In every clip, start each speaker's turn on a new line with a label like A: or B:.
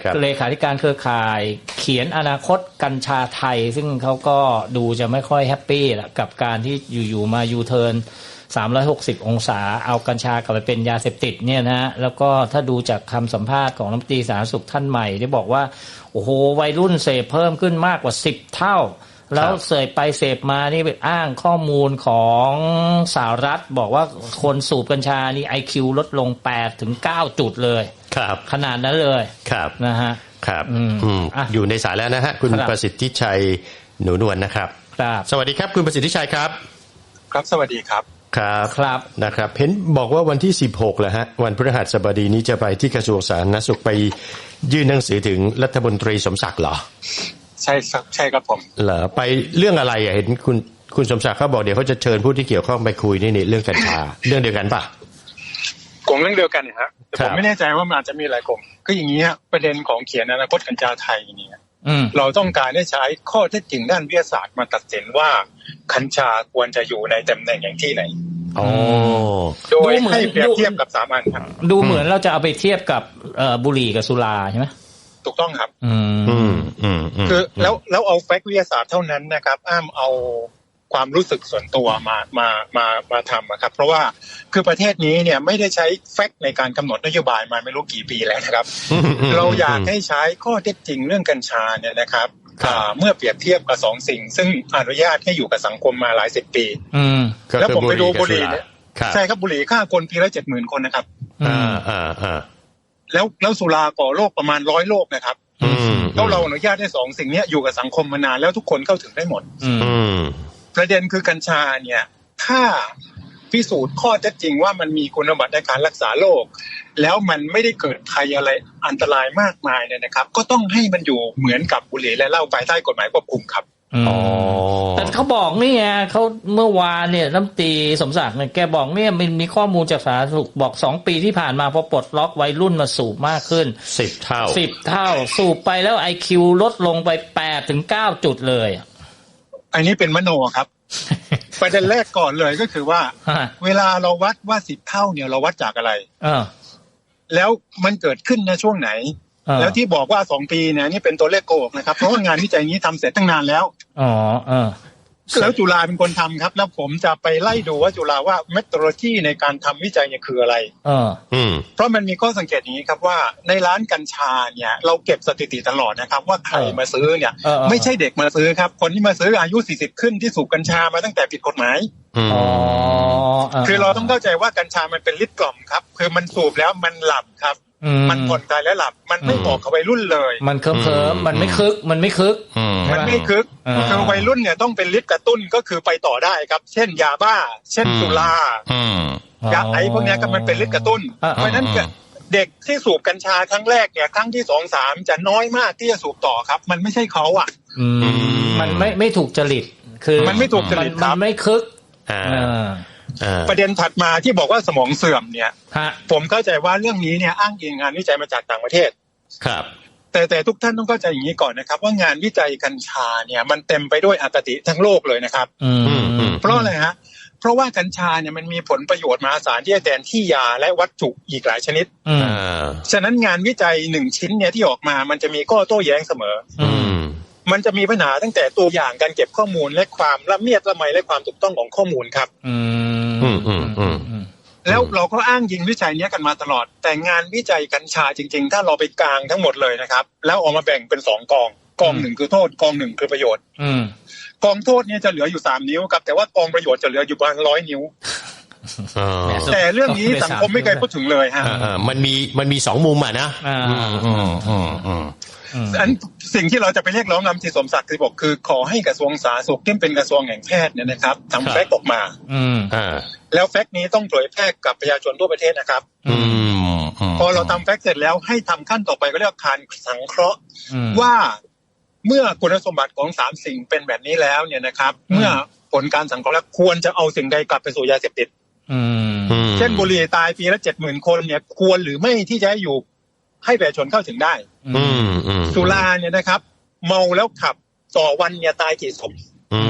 A: เลขาธิการเครือข่ายเขียนอนาคตกัญชาไทยซึ่งเขาก็ดูจะไม่ค่อยแฮปปี้แหละกับการที่อยู่ๆมายูเทิร์น360 องศาเอากัญชากลับไปเป็นยาเสพติดเนี่ยนะแล้วก็ถ้าดูจากคำสัมภาษณ์ของรัฐมนตรีสาธารณสุขท่านใหม่ที่บอกว่าโอ้โหวัยรุ่นเสพเพิ่มขึ้นมากกว่า10 เท่าแล้วเสพไปเสพมานี่ไปอ้างข้อมูลของสหรัฐบอกว่าคนสูบกัญชานี่ IQ ลดลง8 ถึง 9 จุดเลย
B: ครับ
A: ขนาดนั้นเลย
B: ครับ
A: นะฮะ
B: ครับอยู่ในสายแล้วนะฮะคุณประสิทธิชัยหนูนวลนะครับสวัสดีครับคุณประสิทธิชัยครับ
C: ครับสวัสดีครับ
B: ครับนะครับเห็นบอกว่าวันที่16แหละฮะวันพฤหัสบดีนี้จะไปที่กระทรวงสาธารณสุขไปยื่นหนังสือถึงรัฐมนตรีสมศักดิ์เหรอ
C: ใช่ครับผม
B: เหรอไปเรื่องอะไรอ่ะเห็นคุณสมศักดิ์เขาบอกเดี๋ยวเขาจะเชิญผู้ที่เกี่ยวข้องไปคุยนี่เรื่องกัญชาเรื่องเดียวกันป่ะ
C: กลุ่มเรื่องเดียวกันนะฮะแต่ผมไม่แน่ใจว่ามันอาจจะมีหลายกลุ่มก็อย่างนี้ฮะประเด็นของเขียนอนาคตกัญชาไทยเนี่ยเราต้องการได้ใช้ข้อเท็จจริงด้านวิทยาศาสตร์มาตัดสินว่ากัญชาควรจะอยู่ในตำแหน่งอย่างที่ไหนโดยให้เปรียบเทียบกับ3 อันครับ
A: ดูเหมือนเราจะเอาไปเทียบกับบุหรี่กับสุราใช่ไหม
C: ถูกต้องครับคือแล้วเอาแฟกต์วิทยาศาสตร์เท่านั้นนะครับอ้ามเอาความรู้สึกส่วนตัวมาทำครับเพราะว่าคือประเทศนี้เนี่ยไม่ได้ใช้แฟกต์ในการกำหนดนโยบายมาไม่รู้กี่ปีแล้วนะครับ เราอยากให้ใช้ข้อเท็จจริงเรื่องกัญชาเนี่ยนะครับเมื่อเปรียบเทียบกับ2 สิ่งซึ่งอนุญาตให้อยู่กับสังคมมาหลาย10 ปีแล้วผมไปดูบุหรี่เนี่ยใช่ครับบุหรี่ฆ่าคนปีละ 70,000 คนนะครับแล้วสุราก่อโรคประมาณ100 โรคนะครับแล้วเราอนุญาตให้2 สิ่งนี้อยู่กับสังคมมานานแล้วทุกคนเข้าถึงได้หมดประเด็นคือกัญชาเนี่ยถ้าพิสูจน์ข้อเท็จจริงว่ามันมีคุณสมบัติในการรักษาโรคแล้วมันไม่ได้เกิดภัยอะไรอันตรายมากมายเนี่ยนะครับก็ต้องให้มันอยู่เหมือนกับบุหรี่และเหล้าภายใต้กฎหมายควบคุมครับ
A: แต่เขาบอกนี่ไงเขาเมื่อวานเนี่ยรัฐมนตรีสมศักดิ์เนี่ยแกบอกเนี่ยมันมีข้อมูลจากสาธารณสุขบอก2 ปีที่ผ่านมาพอปลดล็อกวัยรุ่นมาสูบมากขึ้น
B: 10 เท่า
A: สูบไปแล้ว IQ ลดลงไป8 ถึง 9 จุดเลย
C: อันนี้เป็นมโนครับประเด็นแรกก่อนเลยก็คือว่าเวลาเราวัดว่า10 เท่าเนี่ยเราวัดจากอะไรแล้วมันเกิดขึ้นในช่วงไหนแล้วที่บอกว่า2 ปีเนี่ยนี่เป็นตัวเลขโกหกนะครับเพราะว่างานวิจัยนี้ทำเสร็จตั้งนานแล้วแล้วจุฬาเป็นคนทำครับแล้วผมจะไปไล่ดูว่าจุฬาว่าเมทอดโลจีในการทำวิจัยเนี่ยคืออะไรเพราะมันมีข้อสังเกตอย่างนี้ครับว่าในร้านกัญชาเนี่ยเราเก็บสถิติตลอดนะครับว่าใครมาซื้อเนี่ยไม่ใช่เด็กมาซื้อครับคนที่มาซื้ออายุ40ขึ้นที่สูบกัญชามาตั้งแต่ผิดกฎหมายคือเราต้องเข้าใจว่ากัญชามันเป็นฤทธิ์กล่อมครับคือมันสูบแล้วมันหลับครับมันผ่อนคลายและหลับมันไม่เหมาะกับวัยรุ่นเลย
A: มันเคลิ้มมันไม่คึก
C: คือวัยรุ่นเนี่ยต้องเป็นฤทธิ์กระตุ้นก็คือไปต่อได้ครับเช่นยาบ้าเช่นสุรายาไอพวกนี้ก็มันเป็นฤทธิ์กระตุ้นเพราะนั้นเด็กที่สูบกัญชาครั้งแรกเนี่ยครั้งที่2 3จะน้อยมากที่จะสูบต่อครับมันไม่ใช่เขาอ่ะ
A: มันไม่ถูกจริตคือ
C: มันไม่ถูกจริต
A: มันไม่คึก
C: ประเด็นถัดมาที่บอกว่าสมองเสื่อมเนี่ยผมเข้าใจว่าเรื่องนี้เนี่ยอ้างอิงงานวิจัยมาจากต่างประเทศ
B: ครับ
C: แต่ทุกท่านต้องเข้าใจอย่างนี้ก่อนนะครับว่างานวิจัยกัญชาเนี่ยมันเต็มไปด้วยอคติทั้งโลกเลยนะครับเพราะอะไรฮะเพราะว่ากัญชาเนี่ยมันมีผลประโยชน์มหาศาลที่จะแทนที่ยาและวัตถุอีกหลายชนิดฉะนั้นงานวิจัย1 ชิ้นเนี่ยที่ออกมามันจะมีข้อโต้แย้งเสมอมันจะมีปัญหาตั้งแต่ตัวอย่างการเก็บข้อมูลและความละเมียดละไมและความถูกต้องของข้อมูลครับแล้วเราก็อ้างยิงวิจัยนี้กันมาตลอดแต่งานวิจัยกัญชาจริงๆถ้าเราไปกลางทั้งหมดเลยนะครับแล้วออกมาแบ่งเป็น2 กอง1คือโทษกอง1คือประโยชน์กองโทษเนี่ยจะเหลืออยู่3 นิ้วครับแต่ว่ากองประโยชน์จะเหลืออยู่ประมาณ100 นิ้วแต่เรื่องนี้สังคมไม่เคยพูดถึงเลยฮะ
B: มันมี2 มุมอ่ะนะ
C: อันสิ่งที่เราจะไปเรียกร้องนำที่สมศักดิ์บอกคือขอให้กระทรวงสาธารณสุขที่เป็นกระทรวงแห่งแพทย์เนี่ยนะครับทำแฟกต์ออกมาแล้วแฟกต์นี้ต้องเผยแพร่กับประชาชนทั่วประเทศนะครับพอเราทำแฟกต์เสร็จแล้วให้ทำขั้นต่อไปก็เรียกการสังเคราะห์ว่าเมื่อคุณสมบัติของ3 สิ่งเป็นแบบนี้แล้วเนี่ยนะครับเมื่อผลการสังเคราะห์แล้วควรจะเอาสิ่งใดกลับไปสู่ยาเสพติดเช่นบุหรี่ตายปีละ 70,000 คนเนี่ยควรหรือไม่ที่จะอยู่ให้ประชาชนเข้าถึงได้สุราเนี่ยนะครับเมาแล้วขับต่อวันเนี่ยตายกี่ศพ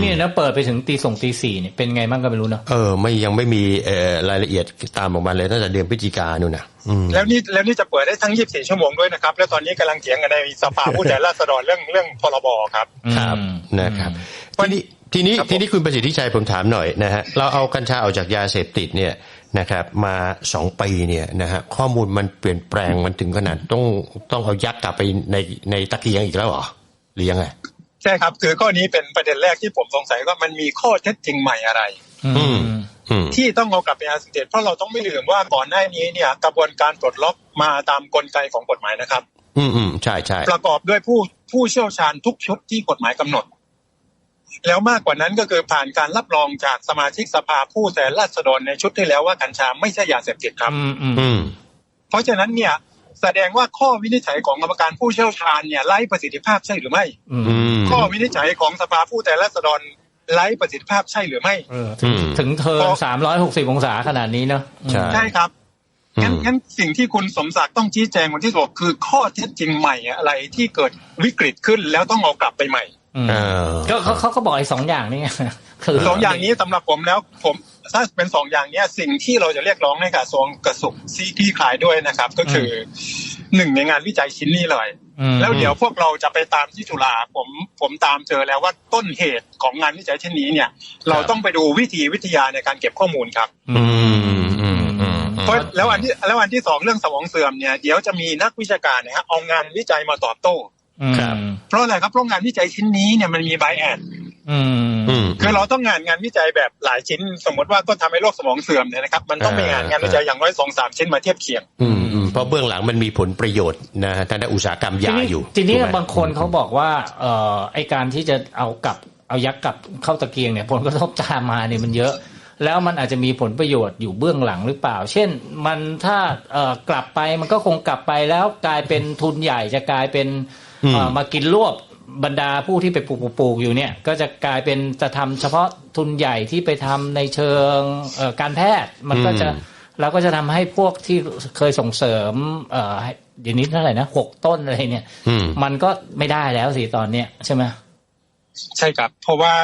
A: เนี่ยนะเปิดไปถึงตีสี่เนี่ยเป็นไงบ้างก็ไม่รู้เนาะ
B: ยังไม่มีรายละเอียดตามออกมาเลยตั้งแต่เดือนพฤศจิกายนนู่นนะ
C: แล้วนี่จะเปิดได้ทั้ง24ชั่วโมงด้วยนะครับแล้วตอนนี้กำลังเถียงกันในสภาผู้แทนราษฎรเรื่องพรบครับ
B: ครับนะครับทีนี้คุณประสิทธิชัยผมถามหน่อยนะฮะเราเอากัญชาออกจากยาเสพติดเนี่ยนะครับมา2 ปีเนี่ยนะฮะข้อมูลมันเปลี่ยนแปลงมันถึงขนาดต้องเอายัดกลับไปในตะเกียงอีกแล้วเหรอหรือยังไง
C: ใช่ครับคือข้อนี้เป็นประเด็นแรกที่ผมสงสัยว่ามันมีข้อเท็จจริงใหม่อะไรที่ต้องเอากลับไปยาเสพติดเพราะเราต้องไม่ลืมว่าก่อนหน้านี้เนี่ยกระบวนการปลดล็อกมาตามกลไกของกฎหมายนะครับ
B: ใช่
C: ประกอบด้วยผู้เชี่ยวชาญทุกชุดที่กฎหมายกำหนดแล้วมากกว่านั้นก็คือผ่านการรับรองจากสมาชิกสภาผู้แทนราษฎรในชุดที่แล้วว่ากัญชาไม่ใช่ยาเสพติดครับเพราะฉะนั้นเนี่ยแสดงว่าข้อวินิจฉัยของกรรมการผู้เชี่ยวชาญเนี่ยไร้ประสิทธิภาพใช่หรือไม่ข้อวินิจฉัยของสภาผู้แทนราษฎรไร้ประสิทธิภาพใช่หรือไม่
A: ถึงเทิร์น360องศาขนาดนี้เนาะ
C: ใช่ครับงั้นสิ่งที่คุณสมศักดิ์ต้องชี้แจงวันที่6คือข้อเท็จจริงใหม่อะไรที่เกิดวิกฤตขึ้นแล้วต้องเอากลับไปใหม่
A: ก็เขาบอกไอ้2อย่างนี้
C: คือ2อย่างนี้สำหรับผมแล้วผมถ้าเป็น2อย่างนี้สิ่งที่เราจะเรียกร้องในกระทรวงที่ขายด้วยนะครับก็คือ1ในงานวิจัยชิ้นนี้เลยแล้วเดี๋ยวพวกเราจะไปตามที่จุฬาผมตามเจอแล้วว่าต้นเหตุของงานวิจัยชิ้นนี้เนี่ยเราต้องไปดูวิทยาในการเก็บข้อมูลครับเพราะแล้วอันที่2เรื่องสมองเสื่อมเนี่ยเดี๋ยวจะมีนักวิชาการนะฮะเอางานวิจัยมาตอบโต้เพราะอะไรครับเพราะงานวิจัยชิ้นนี้เนี่ยมันมีไบแอสคือเราต้องงานวิจัยแบบหลายชิ้นสมมติว่าต้นทำให้โรคสมองเสื่อมเนี่ยนะครับมันต้องมีงานวิจัยอย่างน้อย 2-3 ชิ้นมาเทียบเคียง
B: เพราะเบื้องหลังมันมีผลประโยชน์นะทางด้านอุตสาหกรรมยาอยู่
A: ทีนี้บางคนเขาบอกว่าไอการที่จะเอายักษ์กลับเข้าตะเกียงเนี่ยผลกระทบตามมาเนี่ยมันเยอะแล้วมันอาจจะมีผลประโยชน์อยู่เบื้องหลังหรือเปล่าเช่นมันถ้ากลับไปมันก็คงกลับไปแล้วกลายเป็นทุนใหญ่จะกลายเป็นมากินรวบบรรดาผู้ที่ไปปลูกอยู่เนี่ยก็จะกลายเป็นจะทำเฉพาะทุนใหญ่ที่ไปทำในเชิงการแพทย์มันก็จะเราก็จะทำให้พวกที่เคยส่งเสริมเดี๋ยวนี้เท่าไหร่นะ6 ต้นอะไรเนี่ยมันก็ไม่ได้แล้วสิตอนเนี้ยใช่ไหม
C: ใช่ครับเพราะว่า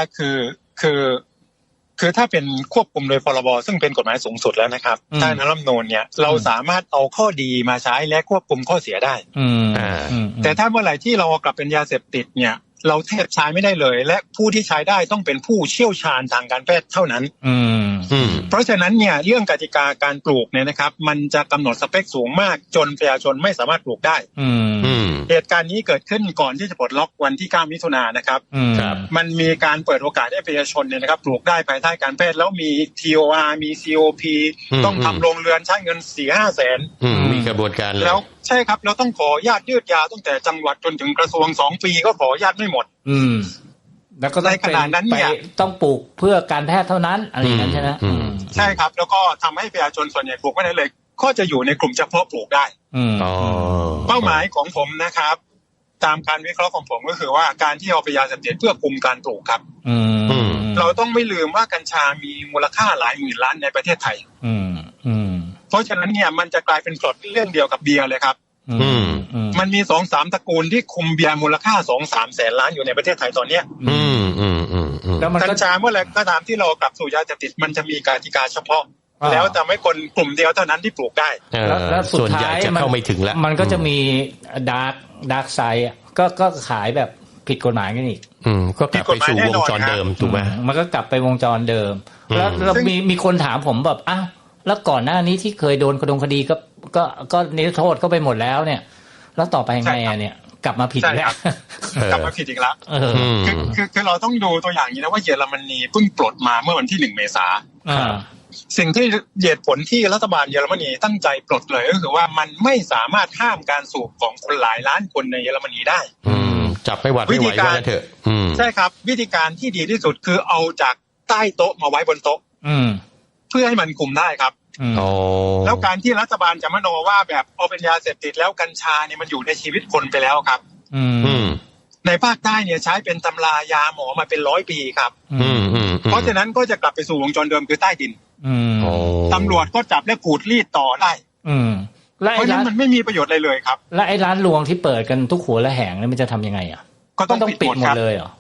C: คือถ้าเป็นควบคุมโดยพรบซึ่งเป็นกฎหมายสูงสุดแล้วนะครับใต้รัฐธรรมนูญเนี่ยเราสามารถเอาข้อดีมาใช้และควบคุมข้อเสียได้แต่ถ้าเมื่อไหร่ที่เรากลับเป็นยาเสพติดเนี่ยเราแทบใช้ไม่ได้เลยและผู้ที่ใช้ได้ต้องเป็นผู้เชี่ยวชาญทางการแพทย์เท่านั้นเพราะฉะนั้นเนี่ยเรื่องกติกาการปลูกเนี่ยนะครับมันจะกำหนดสเปคสูงมากจนประชาชนไม่สามารถปลูกได้เหตุการณ์นี้เกิดขึ้นก่อนที่จะปลดล็อกวันที่9 มิถุนายนนะครับมันมีการเปิดโอกาสให้ประชาชนเนี่ยนะครับปลูกได้ภายใต้การแพทย์แล้วมี TOR มี COP ต้องทำโรงเรือนใช้เงิน 4-5 แสน
B: มีกระบวนการ
C: แล้วใช่ครับเราต้องขออนุญาตยืดยาวตั้งแต่จังหวัดจนถึงกระทรวง2 ปีก็ขออนุญาตไม่หมด
A: แล้วก็ในขณะนั้นเนี่ยต้องปลูกเพื่อการแพทย์เท่านั้นอะไรอย่างนั้นใช่ไหม
C: ใช่ครับแล้วก็ทำให้ประชาชนส่วนใหญ่ปลูกไม่ได้เลยก็จะอยู่ในกลุ่มเฉพาะปลูกได้เป้าหมายของผมนะครับตามการวิเคราะห์ของผมก็คือว่าการที่เอาไปยาเสพติดเพื่อคุมการปลูกครับเราต้องไม่ลืมว่ากัญชามีมูลค่าหลายหมื่นล้านในประเทศไทยเพราะฉะนั้นเนี่ยมันจะกลายเป็นกฎเรื่องเดียวกับเบียร์เลยครับมันมี 2-3 ตระกูลที่คุมเบียร์มูลค่า 2-3 แสนล้านอยู่ในประเทศไทยตอนนี้กัญชาเมื่อไหร่ก็ตามที่เรากลับสู่ยาเสพติดมันจะมีกติกาเฉพาะแล้วจะไม่คนกลุ่มเดียวเท่านั้นที่ปลูกได้
A: แล้วสุดท้าย
B: จะเข้าไม่ถึงแล้ว
A: มันก็จะมีดาร์กไซด์ก็ขายแบบผิดกฎหมายกันอีก
B: ก็กลับไปสู่วงจรเดิมถูกไหม
A: มันก็กลับไปวงจรเดิมแล้วมีคนถามผมแบบอ้าวแล้วก่อนหน้านี้ที่เคยโดนคดีก็นิรโทษก็ไปหมดแล้วเนี่ยแล้วต่อไปยังไงเนี่ยกลับมาผิดแล้ว
C: กลับมาผิดอีกแล้วคือเราต้องดูตัวอย่างนี้นะว่าเยอรมนีเพิ่งปลดมาเมื่อวันที่1 เมษายนสิ่งที่เหตุผลที่รัฐบาลเยอรมนีตั้งใจปลดเลยก็คือว่ามันไม่สามารถห้ามการสูบของคนหลายล้านคนในเยอรมนีได้
B: จับไม่หวัดไม่ไหวว่าเถอะ
C: ใช่ครับวิธีการที่ดีที่สุดคือเอาจากใต้โต๊ะมาไว้บนโต๊ะเพื่อให้มันคุมได้ครับแล้วการที่รัฐบาลจะมโนว่าแบบเอาเป็นยาเสพติดแล้วกัญชาเนี่ยมันอยู่ในชีวิตคนไปแล้วครับในภาคใต้เนี่ยใช้เป็นตำรายาหมอมาเป็น100 ปีครับเพราะฉะนั้นก็จะกลับไปสู่วงจรเดิมคือใต้ดินตำรวจก็จับและขูดรีดต่อได้เพราะฉะนั้นมันไม่มีประโยชน์อะไรเลยครับ
A: และไอ้ร้านรวงที่เปิดกันทุกหัวและแหงนี่มันจะทำยังไงอ่ะ
C: ก็ต้องปิดหมด
A: เลยเหรอ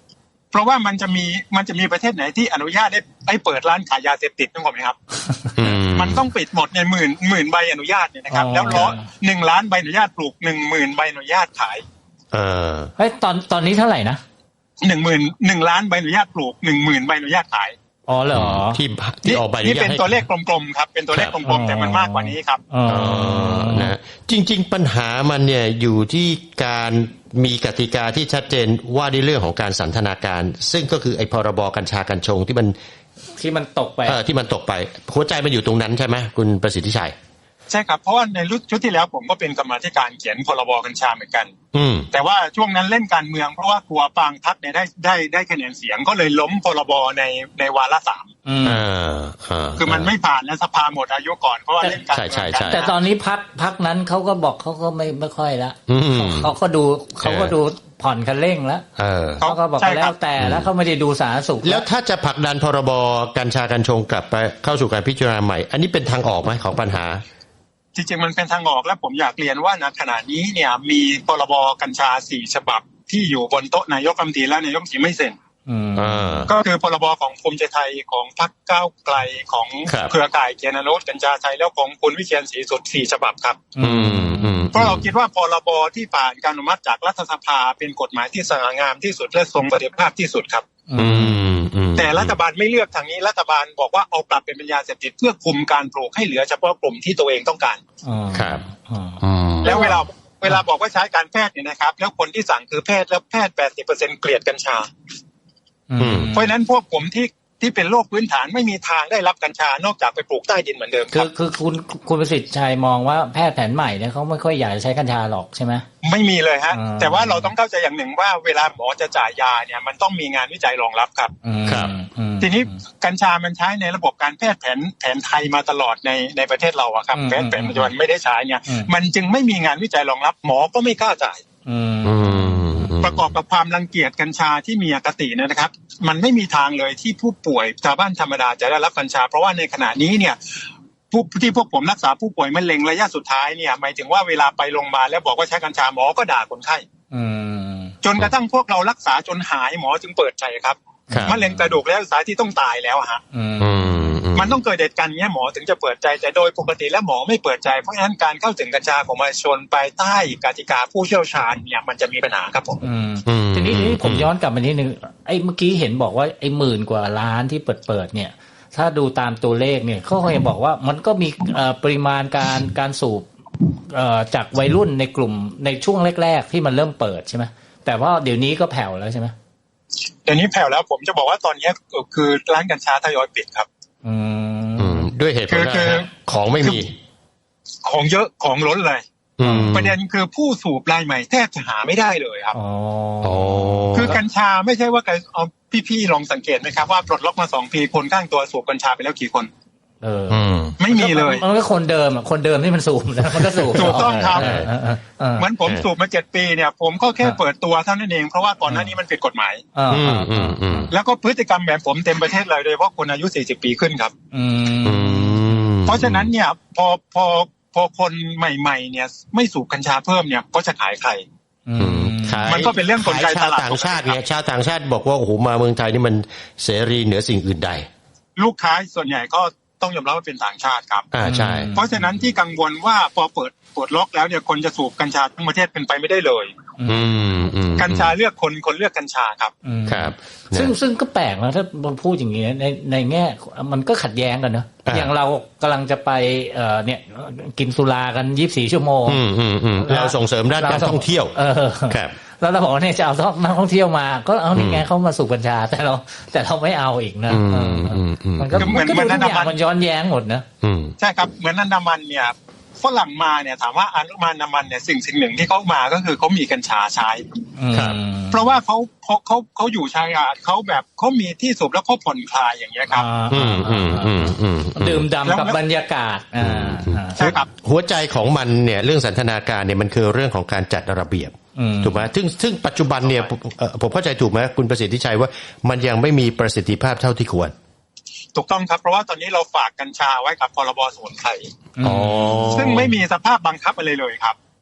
C: เพราะว่ามันจะมีประเทศไหนที่อนุญาตให้เปิดร้านขายยาเสพติดต้องบอกไหมครับมันต้องปิดหมดในหมื่นใบอนุญาตเนี่ยนะครับแล้ว1 ล้านใบอนุญาตปลูก 10,000 ใบอนุญาตขาย
A: เฮ้ยตอนนี้เท่าไหร่นะ
C: 1 ล้านใบอนุญาตปลูก 10,000 ใบอนุญาตขาย
A: อ๋อเหรอ
B: ที่ออกใบอนุญาต
C: นี่เป็นตัวเลขกลมๆครับเป็นตัวเลขกลมๆแต่มันมากกว่านี้ครับ
B: นะจริงๆปัญหามันเนี่ยอยู่ที่การมีกติกาที่ชัดเจนว่าในเรื่องของการสันทนาการซึ่งก็คือไอ้พรบกัญชากัญชงที่มันตกไปหัวใจมันอยู่ตรงนั้นใช่ไหมคุณประสิทธิชัย
C: ใช่ครับเพราะว่าในชุดที่แล้วผมก็เป็นกรรมาธิการเขียนพรบกัญชาเหมือนกันแต่ว่าช่วงนั้นเล่นการเมืองเพราะว่ากลัวปางพรรคเนี่ยได้คะแนนเสียงก็เลยล้มพรบในวาระ 3คือมันไม่ผ่านแล้วสภาหมดอายุก่อนเพราะว่าเล่นการเมือง
A: แต่ตอนนี้พรรคนั้นเขาก็บอกเขาก็ไม่ค่อยละเขาก็ดูผ่อนคันเร่งแล้วเขาก็บอกแล้วแต่แล้วเขาไม่ได้ดูสาธารณสุข
B: แล้วถ้าจะผลักดันพรบกัญชากัญชงกลับไปเข้าสู่การพิจารณาใหม่อันนี้เป็นทางออกไหมของปัญหา
C: จริงๆมันเป็นทางออกและผมอยากเรียนว่าณขณะนี้เนี่ยมีพรบกัญชา4 ฉบับที่อยู่บนโต๊ะนายกรัฐมนตรีและนายกรัฐมนตรีไม่เซ็นก็คือพรบของภูมิใจไทยของพรรคก้าวไกลของเครือข่ายเกียรติอนุกัญชาไทยแล้วของคุณวิเชียรศรีสุด4 ฉบับครับเพราะเราคิดว่าพรบที่ผ่านการอนุมัติจากรัฐสภาเป็นกฎหมายที่สง่างามที่สุดและทรงประสิทธิภาพที่สุดครับแต่รัฐบาลไม่เลือกทางนี้รัฐบาลบอกว่าเอาปรับเป็นยาเสพติดเพื่อคุมการปลูกให้เหลือเฉพาะกลุ่มที่ตัวเองต้องการ
B: ครับ
C: แล้วเวลาบอกว่าใช้การแพทย์เนี่ยนะครับแล้วคนที่สั่งคือแพทย์แล้วแพทย์ 80% เกลียดกัญชาเพราะฉะนั้นพวกผมที่เป็นโรคพื้นฐานไม่มีทางได้รับกัญชานอกจากไปปลูกใต้ดินเหมือนเดิมครับ
A: คือคุณประสิทธิ์ชัยมองว่าแพทย์แผนใหม่เนี่ยเขาไม่ค่อยอยากจะใช้กัญชาหรอกใช่ไหม
C: ไม่มีเลยฮะแต่ว่าเราต้องเข้าใจอย่างหนึ่งว่าเวลาหมอจะจ่ายยาเนี่ยมันต้องมีงานวิจัยรองรับครับทีนี้กัญชามันใช้ในระบบการแพทย์แผนไทยมาตลอดในประเทศเราอะครับแพทย์แผนปัจจุบันไม่ได้ใช้เนี่ยมันจึงไม่มีงานวิจัยรองรับหมอก็ไม่กล้าจ่ายประกอบกับความรังเกียจกัญชาที่มีอคตินะครับมันไม่มีทางเลยที่ผู้ป่วยชาวบ้านธรรมดาจะได้รับกัญชาเพราะว่าในขณะนี้เนี่ยพวกผมรักษาผู้ป่วยมะเร็งระยะสุดท้ายเนี่ยหมายถึงว่าเวลาไปโรงพยาบาลแล้วบอกว่าใช้กัญชาหมอก็ด่าคนไข้จนกระทั่งพวกเรารักษาจนหายหมอจึงเปิดใจครับมะเร็งกระดูกแล้วสายที่ต้องตายแล้วฮะมันต้องเกิดเหตุการณ์นี้หมอถึงจะเปิดใจแต่โดยปกติแล้วหมอไม่เปิดใจเพราะฉะนั้นการเข้าถึงกัญชาของประชาชนภายใต้กติกาผู้เชี่ยวชาญเนี่ยมันจะมีปัญหาครับผม
A: ทีนี้ผมย้อนกลับมานิดนึงไอ้เมื่อกี้เห็นบอกว่าไอ้10,000 กว่าล้านที่เปิดเนี่ยถ้าดูตามตัวเลขเนี่ยเขาเคยบอกว่ามันก็มีปริมาณการสูบจากวัยรุ่นในกลุ่มในช่วงแรกๆที่มันเริ่มเปิดใช่ไหมแต่ว่าเดี๋ยวนี้ก็แผ่วแล้วใช่ไหม
C: เดี๋ยวนี้แผ่วแล้วผมจะบอกว่าตอนนี้คือร้านกัญชาทยอยปิดครับ
B: ด้วยเหตุผลของไม่มี
C: ของเยอะของล้นเลยประเด็นคือผู้สูบรายใหม่แทบจะหาไม่ได้เลยครับคือกัญชาไม่ใช่ว่าเอาพี่ๆลองสังเกตไหมครับว่าปลดล็อกมา2 ปีคนข้างตัวสูบกัญชาไปแล้วกี่คนไม่มีเลย
A: มันก็คนเดิมที่มันสูบนะมันก็สูบ
C: ถูกต้องครับเหมือนผมสูบมา7 ปีเนี่ยผมก็แค่เปิดตัวเท่านั้นเองเพราะว่าก่อนหน้านี้มันผิดกฎหมายแล้วก็พฤติกรรมแบบผมเต็มประเทศเลยโดยเฉพาะคนอายุ40 ปีขึ้นครับเพราะฉะนั้นเนี่ยพอคนใหม่ๆเนี่ยไม่สูบกัญชาเพิ่มเนี่ยก็จะขายใครมันก็เป็นเรื่องกลไกตลาด
B: ต่างชาติเนี่ยชาวต่างชาติบอกว่าโอ้โหมาเมืองไทยนี่มันเสรีเหนือสิ่งอื่นใด
C: ลูกค้าส่วนใหญ่ก็ต้องยอมรับว่าเป็นต่างชาติครับ
B: ใช่
C: เพราะฉะนั้นที่กังวลว่าพอเปิดล็อกแล้วเนี่ยคนจะสูบกัญชาทั้งประเทศเป็นไปไม่ได้เลยกัญชาเลือกคนเลือกกัญชาครับ
B: ครับ
A: ซึ่งก็แปลกนะถ้าพูดอย่างนี้ในแง่มันก็ขัดแย้งกันเนอะอย่างเรากำลังจะไปเนี่ยกินสุรากัน24 ชั่วโมง
B: เราส่งเสริมด้านการท่องเที่ยวครับ
A: แล้วเราบอกว่าเนี่ยจะเอานักท่องเที่ยวมาก็เอานี่ไงเขามาสูบกัญชาแต่เราไม่เอาอีกนะมันก็เหมือนทุกอย่างมันย้อนแย้งหมดนะ
C: ใช่ครับเหมือนอันดามันเนี่ยฝรั่งมาเนี่ยถามว่าอันดามันเนี่ยสิ่งหนึ่งที่เขามาก็คือเขามีกัญชาใช้เพราะว่าเขาอยู่ชายหาดเขาแบบเขามีที่สูบแล้วเขาผ่อนคลายอย่างเงี้ยครับ
A: ดื่มด่ำกับบรรยากาศ
C: ใช่ครับ
B: หัวใจของมันเนี่ยเรื่องสันทนาการเนี่ยมันคือเรื่องของการจัดระเบียบถูกไหมซึ่งปัจจุบันเนี่ยผมเข้าใจถูกไหมคุณประสิทธิชัยว่ามันยังไม่มีประสิทธิภาพเท่าที่ควร
C: ถูกต้องครับเพราะว่าตอนนี้เราฝากกัญชาไว้กับพรบสมุนไพรซึ่งไม่มีสภาพบังคับอะไรเลยครับ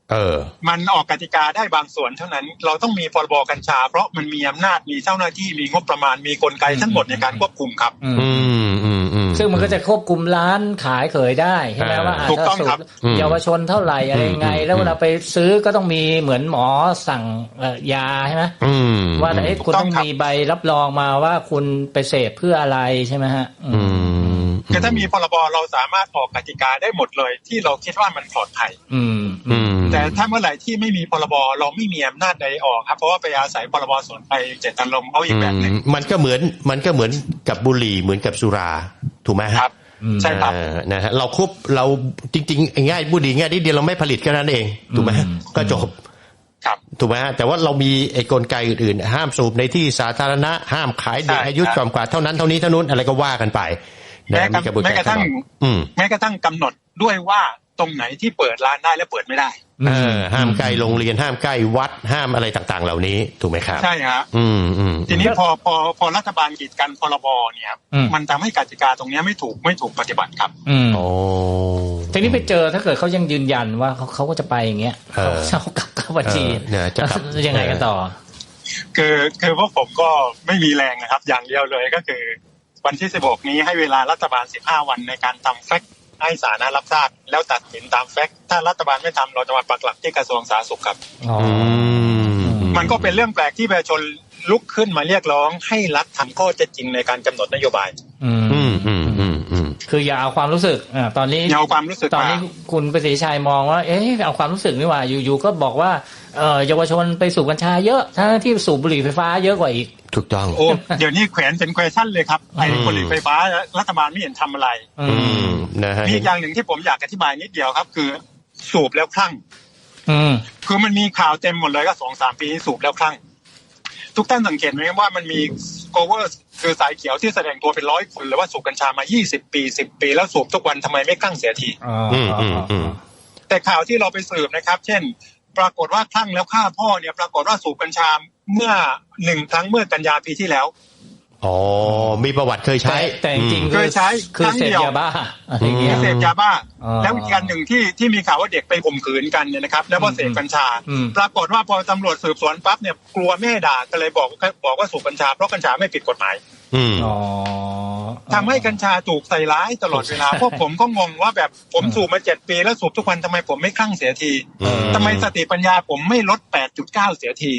C: มันออกกติกาได้บางส่วนเท่านั้นเราต้องมีพรบกัญชาเพราะมันมีอำนาจมีเจ้าหน้าที่มีงบประมาณมีกลไกทั้งหมดในการควบคุมครับ
A: ซึ่งมันก็จะควบคุมร้านขายเขยได้ใช่ไหมว่า
C: ถูกต้องครับ
A: เยาวชนเท่าไหร่อะไรไงแล้วเวลาไปซื้อก็ต้องมีเหมือนหมอสั่งยาใช่ไหมว่าคุณต้องมีใบรับรองมาว่าคุณไปเสพเพื่ออะไรใช่ไหมฮะ
C: คือถ้ามีพรบเราสามารถออกกติกาได้หมดเลยที่เราคิดว่ามันปลอดภัยแต่ถ้าเมื่อไหร่ที่ไม่มีพรบเราไม่มีอำนาจใดออกครับเพราะว่าไปอาศัยพรบสวนไปเจตนารมณ์เขาอีกแบบนึง
B: มันก็เหมือนกับบุหรี่เหมือนกับสุราถูกไหมครับ
C: ใช่ครับ
B: นะฮะเราจริงๆง่ายบุหรี่ง่ายนิดเดียวเราไม่ผลิตแค่นั้นเองถูกไหมก็จบถูกไหมฮะแต่ว่าเรามีไอ้กลไกอื่นๆห้ามสูบในที่สาธารณะห้ามขายเด็กอายุต่ำกว่าเท่านั้นเท่านี้เท่านู้นอะไรก็ว่ากันไป
C: แม้กระทั่งกำหนดด้วยว่าตรงไหนที่เปิดร้านได้และเปิดไม่ได้
B: ห้ามใกล้โรงเรียนห้ามใกล้วัดห้ามอะไรต่างๆเหล่านี้ถูกไหมครับ
C: ใช่ครับทีนี้พอรัฐบาลกีดกันพรบเนี่ยมันทำให้กติกาตรงนี้ไม่ถูกปฏิบัติครับ
A: ทีนี้ไปเจอถ้าเกิดเขายังยืนยันว่าเขาก็จะไปอย่างเงี้ยเขากลับเข้าบัญชีจะยังไงกันต่อ
C: คือพวกผมก็ไม่มีแรงนะครับอย่างเดียวเลยก็คือวันที่16นี้ให้เวลารัฐบาล15วันในการทำแฟกต์ให้สาธารณะรับทราบแล้วตัดสินตามแฟกต์ถ้ารัฐบาลไม่ทำเราจะมาปักหลักที่กระทรวงสาธารณสุขครับมันก็เป็นเรื่องแปลกที่ประชาชนลุกขึ้นมาเรียกร้องให้รัฐทำข้อเท็จจริงในการกำหนดนโยบาย
A: คืออย่าเอาความรู้สึกตอนนี้
C: อย่าเอาความรู้สึก
A: ตอนนี้คุณประสิทธิชัยมองว่าเอาความรู้สึกนี่ว่าอยู่ๆก็บอกว่าเยาวชนไปสูบกัญชาเยอะทั้งที่สูบบุหรี่ไฟฟ้าเยอะกว่าอีก
B: ถูกต้อง
C: เดี๋ยวนี้แขวนเป็นแควชั่นเลยครับไอ้บุหรี่ไฟฟ้ารัฐบาลไม่เห็นทำอะไรมีอย่างหนึ่งที่ผมอยากอธิบายนิดเดียวครับคือสูบแล้วคลั่งคือมันมีข่าวเต็มหมดเลยก็ 2-3 ปีสูบแล้วคลั่งทุกท่านสังเกตไหมว่ามันมีโคเวอร์คือสายเขียวที่แสดงตัวเป็น100 คนเลยว่าสูบกัญชามา20 ปี10 ปีแล้วสูบทุกวันทำไมไม่คลั่งเสียทีแต่ข่าวที่เราไปสืบนะครับเช่นปรากฏว่าคลั่งแล้วฆ่าพ่อเนี่ยปรากฏว่าสูบกัญชาเมื่อ1 ครั้งเมื่อกันยาปีที่แล้ว
B: มีประวัติเคยใช้
A: แต่จริงๆ
C: เคยใช้
A: คือเสพยาบ้า
C: เสพยาบ้าแล้วอีกอันหนึ่งที่มีข่าวว่าเด็กไปข่มขืนกันเนี่ยนะครับแล้วพอเสพกัญชาปรากฏว่าพอตำรวจสืบสวนปั๊บเนี่ยกลัวแม่ด่าก็เลยบอกว่าสูบกัญชาเพราะกัญชาไม่ผิดกฎหมายทำให้กัญชาถูกใส่ร้ายตลอดเวลาพวกผมก็งงว่าแบบผมสูบมา7 ปีแล้วสูบทุกวันทำไมผมไม่คลั่งเสียทีทำไมสติปัญญาผมไม่ลด 8.9 เสียที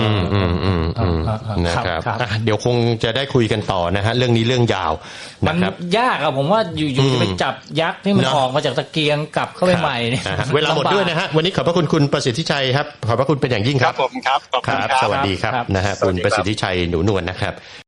B: นะครับเดี๋ยวคงจะได้คุยกันต่อนะฮะเรื่องนี้เรื่องยาว
A: มันยากผมว่าอยู่ๆจะไปจับยักษ์ที่มันออกมาจากตะเกียงกลับเข้าไปใหม่เนี่ย
B: เวลาหมดด้วยนะฮะวันนี้ขอบพระคุณคุณประสิทธิชัยครับขอบพระคุณเป็นอย่างยิ่งครับ
C: ผมครับ
B: สวัสดีครับนะฮะคุณประสิทธิชัยหนูนวลนะครับ